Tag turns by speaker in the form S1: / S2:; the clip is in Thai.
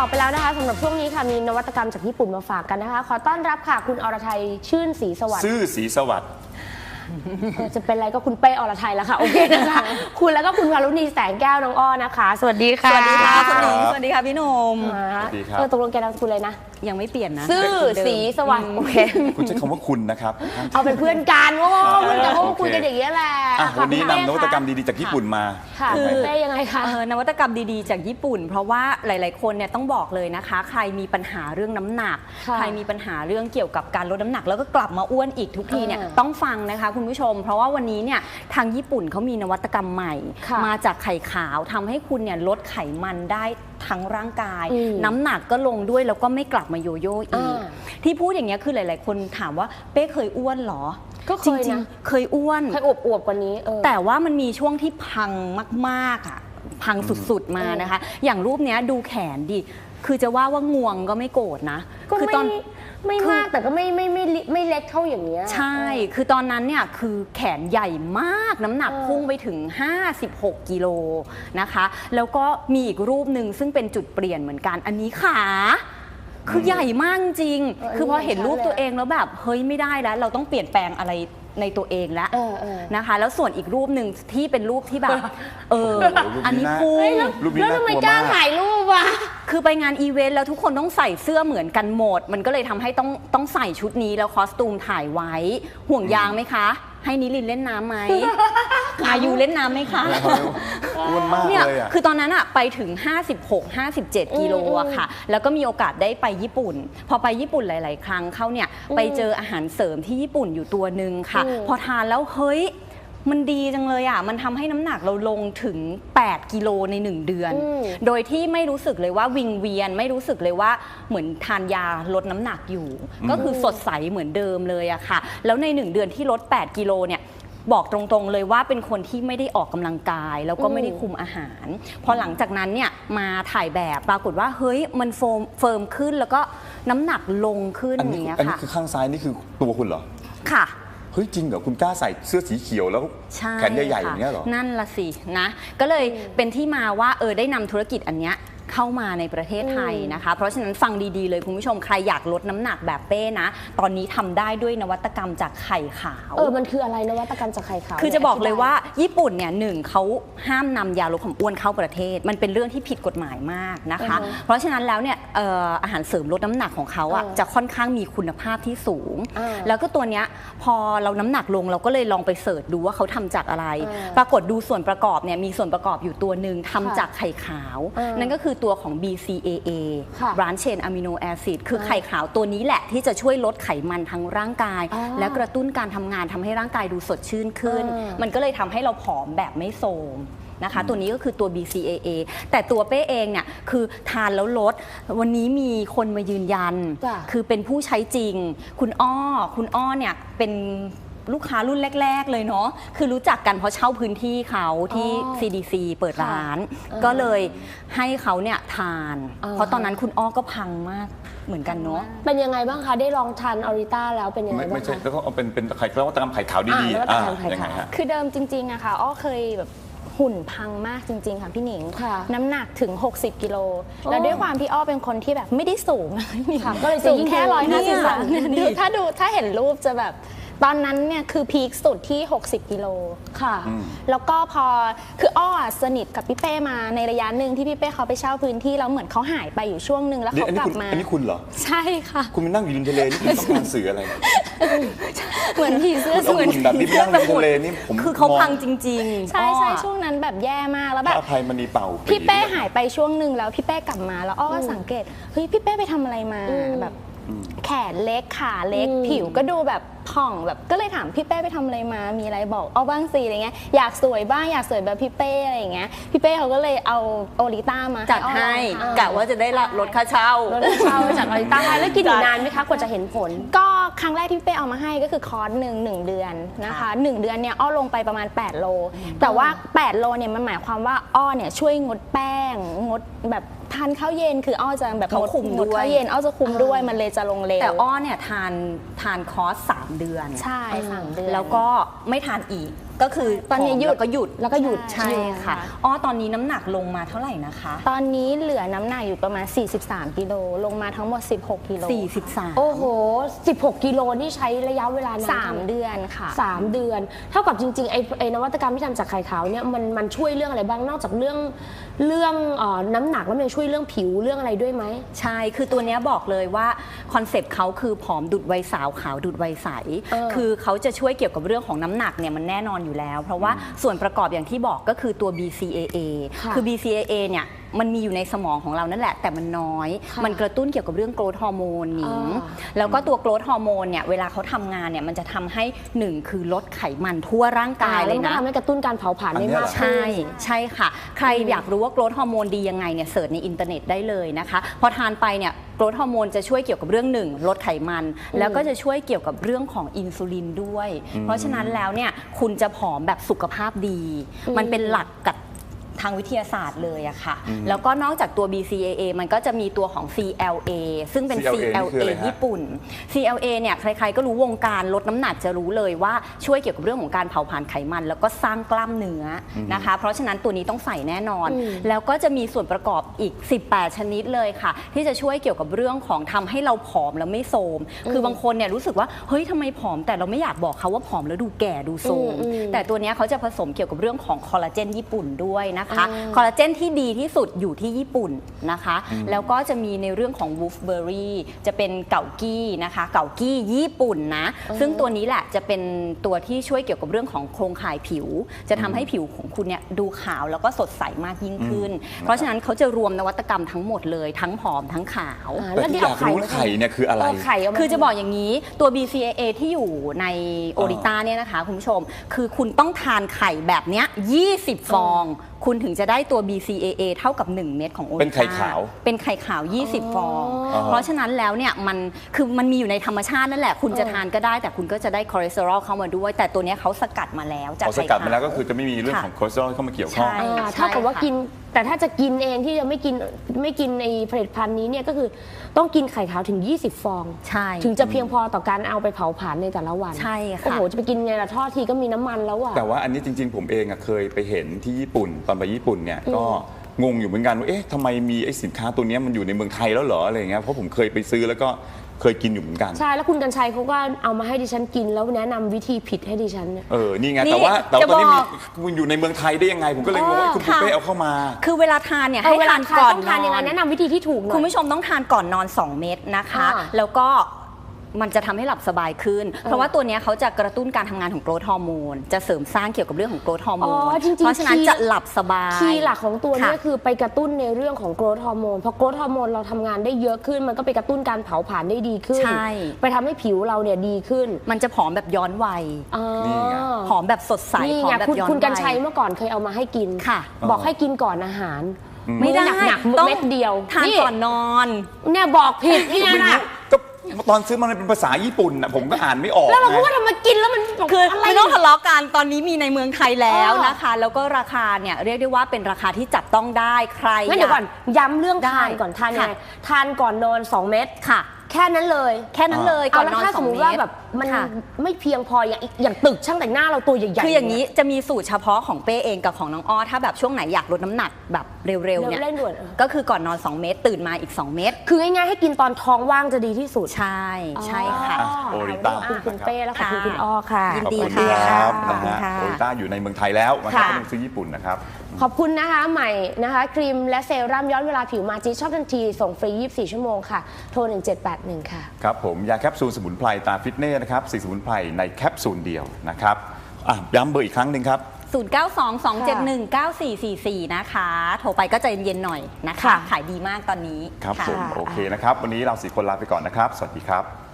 S1: บอกไปแล้วนะคะสำหรับช่วงนี้ค่ะมีนวัตกรรมจากญี่ปุ่นมาฝากกันนะคะขอต้อนรับค่ะคุณอรทัยชื่นศรีสวัสดิ์
S2: ชื่อศรีสวัสดิ์
S1: จะเป็นอะไรก็คุณเป้อรทัยแล้วค่ะโอเคนะคะคุณแล้วก็คุณวารุณีแสงแก้วน้องอ้อนะคะสวัสดีค่ะ
S3: สวัสดีค่ะคุณหนิงสวัสดีค่ะพี่หนุ่ม
S2: สวัสดีครับ
S1: ตกลงแกนามสกุลเลยนะ
S3: ยังไม่เปลี่ยนนะ
S1: ชื่อศรีสวัสดิ์โอเค
S2: คุณใช้คำว่าคุณนะครับ
S1: เอาเป็นเพื่อนกันว่าเพื่อนกันเพราะว่าคุยกันอย่างนี้แหละ
S2: วันนี้นำนวัตกรรมดีๆจากญี่ปุ่นมา
S1: คือเป้ยังไงคะ
S3: นวัตกรรมดีๆจากญี่ปุ่นเพราะว่าหลายๆคนเนี่ยต้องบอกเลยนะคะใครมีปัญหาเรื่องน้ำหนักใครมีปัญหาเรื่องเกี่ยวกับการลดน้ำหนักแล้วก็กลับมาอ้วนอีกทุกทีเนี่ยต้องฟังนะคะคุณผู้ชมเพราะว่าวันนี้เนี่ยทางญี่ปุ่นเขามีนวัตกรรมใหม่มาจากไข่ขาวทำให้คุณเนี่ยลดไขมันได้ทั้งร่างกายน้ำหนักก็ลงด้วยแล้วก็ไม่กลับมาโยโย่อีกที่พูดอย่างเงี้ยคือหลายๆคนถามว่าเป้เคยอ้วนหรอ
S1: ก็เคยนะ
S3: เคยอ้วน
S1: เคยอวบกว่านี้
S3: แต่ว่ามันมีช่วงที่พังมากๆอ่ะพังสุดๆมานะคะอย่างรูปเนี้ยดูแขนดิคือจะว่างวงก็ไม่โกรธนะ
S1: คือตอนไม่มากแต่ก็ไม่เล็กเท่าอย่างเงี้ย
S3: ใช่คือตอนนั้นเนี่ยคือแขนใหญ่มากน้ำหนักพุ่งไปถึง56กิโลนะคะแล้วก็มีอีกรูปหนึ่งซึ่งเป็นจุดเปลี่ยนเหมือนกันอันนี้ขาคือใหญ่มากจริงคือพอเห็นรูปตัวเองแล้วแบบเฮ้ยไม่ได้แล้วเราต้องเปลี่ยนแปลงอะไรในตัวเองแล้วนะคะแล้วส่วนอีกรูปหนึ่งที่เป็นรูปที่แบบอันนี้พุ่ง
S1: แล้วทำไมกล้าถ่ายรูปวะ
S3: คือไปงานอีเวนต์แล้วทุกคนต้องใส่เสื้อเหมือนกันหมดมันก็เลยทำให้ต้องใส่ชุดนี้แล้วคอสตูมถ่ายไว้ห่วงยางไหมคะให้นิลินเล่นน้ำไหมอายุเล่นน้ำไหมคะ
S2: อ้วนมากเลยอ่ะ
S3: คือตอนนั้นอะไปถึง56-57กิโลอะค่ะแล้วก็มีโอกาสได้ไปญี่ปุ่นพอไปญี่ปุ่นหลายๆครั้งเข้าเนี่ยไปเจออาหารเสริมที่ญี่ปุ่นอยู่ตัวหนึ่งค่ะพอทานแล้วเฮ้ยมันดีจังเลยอ่ะมันทำให้น้ำหนักเราลงถึง8กิโลใน1เดือนโดยที่ไม่รู้สึกเลยว่าวิงเวียนไม่รู้สึกเลยว่าเหมือนทานยาลดน้ำหนักอยู่ก็คือสดใสเหมือนเดิมเลยอะค่ะแล้วใน1เดือนที่ลด8กิโลเนี่ยบอกตรงๆเลยว่าเป็นคนที่ไม่ได้ออกกำลังกายแล้วก็ไม่ได้คุมอาหารพอหลังจากนั้นเนี่ยมาถ่ายแบบปรากฏว่าเฮ้ยมันเฟิร์มขึ้นแล้วก็น้ำหนักลงขึ้นอย่างเงี้ยค่ะ
S2: อันนี้คือข้างซ้ายนี่คือตัวคุณเหรอ
S3: ค่ะ
S2: เฮ้ยจริงเหรอคุณกล้าใส่เสื้อสีเขียวแล้วแขนใหญ่ๆอย่างเงี้ยเหรอ
S3: นั่นละสินะก็เลยเป็นที่มาว่าได้นำธุรกิจอันเนี้ยเข้ามาในประเทศไทยนะคะเพราะฉะนั้นฟังดีๆเลยคุณผู้ชมใครอยากลดน้ำหนักแบบเป้นะตอนนี้ทำได้ด้วยนวัตกรรมจากไข่ขาว
S1: มันคืออะไรนวัตกรรมจากไข่ขาว
S3: คือจะบอกเลยว่าญี่ปุ่นเนี่ยหนึ่งเขาห้ามนำยาลดความอ้วนเข้าประเทศมันเป็นเรื่องที่ผิดกฎหมายมากนะคะเพราะฉะนั้นแล้วเนี่ยอาหารเสริมลดน้ำหนักของเขาอ่ะจะค่อนข้างมีคุณภาพที่สูงแล้วก็ตัวเนี้ยพอเราน้ำหนักลงเราก็เลยลองไปเสิร์ชดูว่าเขาทำจากอะไรปรากฏดูส่วนประกอบเนี่ยมีส่วนประกอบอยู่ตัวหนึ่งทำจากไข่ขาวนั่นก็คือตัวของ BCAA Branched Chain Amino Acid คือไข่ขาวตัวนี้แหละที่จะช่วยลดไขมันทั้งร่างกายและกระตุ้นการทำงานทำให้ร่างกายดูสดชื่นขึ้นมันก็เลยทำให้เราผอมแบบไม่โทรมนะคะตัวนี้ก็คือตัว BCAA แต่ตัวเป้เองเนี่ยคือทานแล้วลดวันนี้มีคนมายืนยันคือเป็นผู้ใช้จริงคุณอ้อเนี่ยเป็นลูกค้ารุ่นแรกๆเลยเนาะคือรู้จักกันเพราะเช่าพื้นที่เขาที่ CDC เปิดร้านก็เลยให้เขาเนี่ยทานเพราะตอนนั้นคุณอ้อก็พังมากเหมือนกันเนาะ
S1: เป็นยังไงบ้างคะได้ลองทานออริต้าแล้วเป็นยังไงบ้าง
S2: ไม่ใช่แล้วก็เอาเป็นไข่แล้วก็ตามไข่ขาวดีๆ
S1: ยังไงฮะ
S4: คือเดิมจริงๆอะค่ะอ้อเคยแบบหุ่นพังมากจริงๆค่ะพี่หนิงน้ำหนักถึง60กิโลแล้วด้วยความที่อ้อเป็นคนที่แบบไม่ได้สูงก็เลยสูงแค่153ถ้าเห็นรูปจะแบบตอนนั้นเนี่ยคือพีคสุดที่60กิโลค่ะแล้วก็พอคืออ้อสนิทกับพี่เป้มาในระยะหนึ่งที่พี่เป้เขาไปเช่าพื้นที่แล้วเหมือนเขาหายไปอยู่ช่วงนึงแล้วเขากลับมา
S2: อันนี้คุณเหรอ
S4: ใช่ค่ะ
S2: คุณไปนั่งอยู่ริมทะเลนี่คุณต้องการสื่ออะไร
S4: เหมือนผีเสื้อ
S2: เหมือนแบบนี้ไปนั่งริมทะเลนี่ผม
S3: คือเขาพังจริง
S4: ๆใช่ช่วงนั้นแบบแย่มากแล้วแบบ
S2: อภัยมณีเป่า
S4: พี่เป้หายไปช่วงนึงแล้วพี่เป้กลับมาแล้วอ้อก็สังเกตเฮ้ยพี่เป้ไปทำอะไรมาแบบแขนเล็กขาเล็กผิวก็ดูแบบผ่องแบบก็เลยถามพี่เป้ไปทำอะไรมามีอะไรบอกเอาบ้างสิอะไรเงี้ยอยากสวยบ้างอยากสวยแบบพี่เป้อะไรอย่างเงี้ยพี่เป้เขาก็เลยเอาโอริต้ามา
S3: จัดให้กะว่าจะได้ลดค่าเช่า
S1: จากออริต้าแล้วกินนานไหมคะกว่าจะเห็นผล
S4: ก็ครั้งแรกที่พี่เป้เอามาให้ก็คือคอร์สหนึ่งเดือนนะคะ1 เดือนเนี่ยอ้อลงไปประมาณ8โลแต่ว่า8โลเนี่ยมันหมายความว่าอ้อเนี่ยช่วยงดแป้งงดแบบทานข้าวเย็นคืออ้อจะแบบ
S3: งด
S4: ข้าวเย็นอ้อจะคุมด้วยมันเลยจะลงเร็ว
S3: แต่อ้อเนี่ยทานคอร์ส3 เดือน
S4: ใช่3 เดือน
S3: แล้วก็ไม่ทานอีกก็คือ
S4: ตอนนี้หยุด
S3: แล้วก็หยุด
S1: แล้วก็หยุด
S3: ใช่ค่ะอ๋อตอนนี้น้ำหนักลงมาเท่าไหร่นะคะ
S4: ตอนนี้เหลือน้ำหนักอยู่ประมาณ 43 กิโลลงมาทั้งหมด 16 กิโล
S3: 43
S1: โอ้โห16 กิโลนี่ใช้ระยะเวลานาน
S4: 3 เดือนค่ะ
S1: 3 เดือน เท่ากับจริงๆไอ้นวัตกรรมที่ทำจากไข่ขาวเนี่ยมันช่วยเรื่องอะไรบ้างนอกจากเรื่องน้ำหนักแล้วมันยังช่วยเรื่องผิวเรื่องอะไรด้วยไหม
S3: ใช่ คือตัวเนี้ยบอกเลยว่าคอนเซปต์เขาคือผอมดุดวัยสาวขาวดุดวัยใส คือเขาจะช่วยเกี่ยวกับเรื่องของน้ำหนักเนี่ยมันแน่นอนอยู่แล้ว เพราะว่าส่วนประกอบอย่างที่บอกก็คือตัว BCAA คือ BCAA เนี่ยมันมีอยู่ในสมองของเรานั่นแหละแต่มันน้อย มันกระตุ้นเกี่ยวกับเรื่องโกรทฮอร์โมนหนิงแล้วก็ตัวโกรทฮอร์โมนเนี่ยเวลาเขาทำงานเนี่ยมันจะทำให้หนึ่งคือลดไขมันทั่วร่างกายเลยนะ
S1: แล้วมันก็ทำให้กระตุ้นการเผาผลาญได้มาก
S3: ใช่ใช่ค่ะ ใครอยากรู้ว่าโกรทฮอร์โมนดียังไงเนี่ยเสิร์ชในอินเทอร์เน็ตได้เลยนะคะพอทานไปเนี่ยโกรทฮอร์โมนจะช่วยเกี่ยวกับเรื่องหนึ่งลดไขมัน แล้วก็จะช่วยเกี่ยวกับเรื่องของอินซูลินด้วย เพราะฉะนั้นแล้วเนี่ยคุณจะผอมแบบสุขภาพดี มันเป็นหลักกับทางวิทยาศาสตร์เลยอะค่ะแล้วก็นอกจากตัว BCAA มันก็จะมีตัวของ CLA ซึ่งเป็น CLA ญี่ปุ่น CLA เนี่ยใครๆก็รู้วงการลดน้ำหนักจะรู้เลยว่าช่วยเกี่ยวกับเรื่องของการเผาผลาญไขมัน แล้วก็สร้างกล้ามเนื้อนะคะเพราะฉะนั้นตัวนี้ต้องใส่แน่นอน แล้วก็จะมีส่วนประกอบอีก18ชนิดเลยค่ะที่จะช่วยเกี่ยวกับเรื่องของทำให้เราผอมแล้วไม่โทรมคือบางคนเนี่ยรู้สึกว่าเฮ้ยทำไมผอมแต่เราไม่อยากบอกเขาว่าผอมแล้วดูแก่ดูโทรมแต่ตัวนี้เขาจะผสมเกี่ยวกับเรื่องของคอลลาเจนญี่ปุ่นด้วยนะคะคอลลาเจนที่ดีที่สุดอยู่ที่ญี่ปุ่นนะคะแล้วก็จะมีในเรื่องของวูฟเบอร์รี่จะเป็นเก่ากี้นะคะเก่ากี้ญี่ปุ่นนะซึ่งตัวนี้แหละจะเป็นตัวที่ช่วยเกี่ยวกับเรื่องของโครงข่ายผิวจะทำให้ผิวของคุณเนี่ยดูขาวแล้วก็สดใสมากยิ่งขึ้นเพราะฉะนั้นเขาจะรวมนวัตกรรมทั้งหมดเลยทั้งผอมทั้งขาว
S2: แต่ที่อยากรู้ไข่เนี่ยคืออะไร
S3: คือจะบอกอย่างนี้ตัว BCAA ที่อยู่ในโอริต้าเนี่ยนะคะคุณผู้ชมคือคุณต้องทานไข่แบบเนี้ย20 ฟองคุณถึงจะได้ตัว BCAA เท่ากับ 1 เม็ดของโอริต้า
S2: เป็นไข่ขาว
S3: เป็นไข่ขาว 20 ฟอง เพราะฉะนั้นแล้วเนี่ยมันมีอยู่ในธรรมชาตินั่นแหละคุณจะทานก็ได้แต่คุณก็จะได้คอเลสเตอรอลเข้ามาด้วยแต่ตัวเนี้ยเขาสกัดมาแล้วจาก
S2: ส
S3: ไข่
S2: กัด
S3: ขาว
S2: มาแล้วก็คือจะไม่มีเรื่องของคอเลสเตอรอลเข้ามาเกี่ยวข้อง
S3: ใช่
S1: เท่ากับว่ากินแต่ถ้าจะกินเองที่จะไม่กินในผลิตภัณฑ์นี้เนี่ยก็คือต้องกินไข่ขาวถึง20 ฟอง
S3: ใช่
S1: ถึงจะเพียงพอต่อการเอาไปเผาผลาญในแต่ละวัน
S3: ใช่ค่ะ
S1: โอ้โหจะไปกินไงล่ะทอดทีก็มีน้ำมันแล้วอะ
S2: แต่ว่าอันนี้จริงๆผมเองเคยไปเห็นที่ญี่ปุ่นตอนไปญี่ปุ่นเนี่ยก็งงอยู่เหมือนกันว่าเอ๊ะทำไมมีไอ้สินค้าตัวนี้มันอยู่ในเมืองไทยแล้วเหรออะไรอย่างเงี้ยเพราะผมเคยไปซื้อแล้วก็เคยกินอยู่เหมือนกัน
S1: ใช่แล้วคุณกัญชัยเขาก็เอามาให้ดิฉันกินแล้วแนะนำวิธีผิดให้ดิฉันเนี่ย
S2: นี่ไง
S3: นี่
S2: แต่ว่าตอนนี้
S3: จะบอก
S2: มันอยู่ในเมืองไทยได้ยังไงผมก็เลยงงว่าคุณปุ๊เป้เอาเข้ามา
S3: คือเวลาทานเนี่ย
S1: เอา
S3: ให้
S1: เวลา
S3: ทาน
S1: ทาน
S3: ก่อน
S1: ต้องทานยังไงแนะนำวิธีที่ถูกหน่อย
S3: คุณผู้ชมต้องทานก่อนนอน 2 เม็ดนะคะ แล้วก็มันจะทำให้หลับสบายขึ้น เพราะว่าตัวนี้เขาจะกระตุ้นการทำงานของโกรทฮอร์โมนจะเสริมสร้างเกี่ยวกับเรื่องของโกรทฮอร์โมน
S1: จริงๆ
S3: เพราะฉะนั้นจะหลับสบาย
S1: คีย์หลักของตัวนี้
S3: ค่ะ
S1: คือไปกระตุ้นในเรื่องของโกรทฮอร์โมนพอโกรทฮอร์โมนเราทำงานได้เยอะขึ้น มันก็ไปกระตุ้นการเผาผลาญได้ดีขึ้น
S3: ใช่
S1: ไปทำให้ผิวเราเนี่ยดีขึ้น
S3: มันจะผอมแบบย้อนวัย
S2: นี่ไง
S3: ผอมแบบสดใส
S1: นี่
S3: ผอม
S1: ไง
S3: แบบ
S1: คุณ
S3: ย้อน
S1: คุณกัญชั
S3: วั
S1: ย
S3: ย
S1: เมื่อก่อนเคยเอามาให้กิน
S3: ค่ะ
S1: บอกให้กินก่อนอาหาร
S3: ไม่ได้
S1: หนักๆ
S3: ต้อง
S1: เม็ดเดียว
S3: ทานก่อนนอน
S1: เนี่ยบอกผิดเนี่ยนะ
S2: ก็ตอนซื้อมันเป็นภาษาญี่ปุ่นผมก็อ่านไม่ออก
S1: แล้วเราพูด
S2: ไง
S1: ว่าทำไมกินแล้วมันบอก
S3: คือ
S1: อะไร
S3: ไม่ต้องทะเลาะกันตอนนี้มีในเมืองไทยแล้ว
S1: อ๋อ
S3: นะคะ แล้วก็ราคาเนี่ยเรียกได้ว่าเป็นราคาที่จับต้องได้ใคร
S1: งั้นเดี๋ยวก่อนย้ำเรื่อง
S3: ได้
S1: ทานก่อนทานยังไง
S3: ค่ะ
S1: ทานก่อนนอน 2 เม็ด
S3: ค่ะ
S1: แค่นั้นเลย
S3: แค่นั้นเลย
S1: เอา
S3: ก่อน
S1: แล้ว
S3: นอน
S1: ถ้า
S3: 2
S1: สมมติว่า
S3: เม็ด
S1: แบบมัน
S3: ค่ะ
S1: ไม่เพียงพออย่างตึกช่างแต่งหน้าเราตัวใหญ่ๆ
S3: คืออย่างนี้จะมีสูตรเฉพาะของเป้เองกับของน้องอ้อถ้าแบบช่วงไหนอยากลดน้ำหนักแบบเร็วๆเนี่ย
S1: เร่งด่วน
S3: ก็คือก่อนนอน 2 เม็ดตื่นมาอีก 2 เม็ด
S1: คือง่ายๆให้กินตอนท้องว่างจะดีที่สุด
S3: ใช่ใช่ค่ะ
S2: โอริต้า
S1: ขอบคุณคุณเป้และขอบคุณคุณอ้อค่ะ
S3: ยิน
S2: ขอบ
S3: ดี
S2: คุณ
S3: ค่ะ
S2: ครับ
S3: ขอบคุณค่ะ
S2: โอริต้าอยู่ในเมืองไทยแล้วนะครับ
S1: ค่ะ
S2: ไม่ต้องซื้อญี่ปุ่นนะครับ
S1: ขอบคุณนะคะใหม่นะคะครีมและเซรั่มย้อนเวลาผิวมาจีชอบทันทีส่งฟรี 24 ชั่วโมงค่ะ โทร 1781 ค่ะ
S2: ครับผมยาแคปซูลสมุนไพรตาฟิตเน่นะครับ4สมุนไพรในแคปซูลเดียวนะครับย้ำเบอร์อีกครั้งหนึ่งครับ
S3: 0922719444 นะคะ โทรไปก็ใจเย็นๆหน่อยนะคะ
S1: ค่ะ
S3: ขายดีมากตอนนี้
S2: ครับ
S3: ค่ะ
S2: ผมโอเคนะครับ วันนี้เรา4 คนลาไปก่อนนะครับ สวัสดีครับ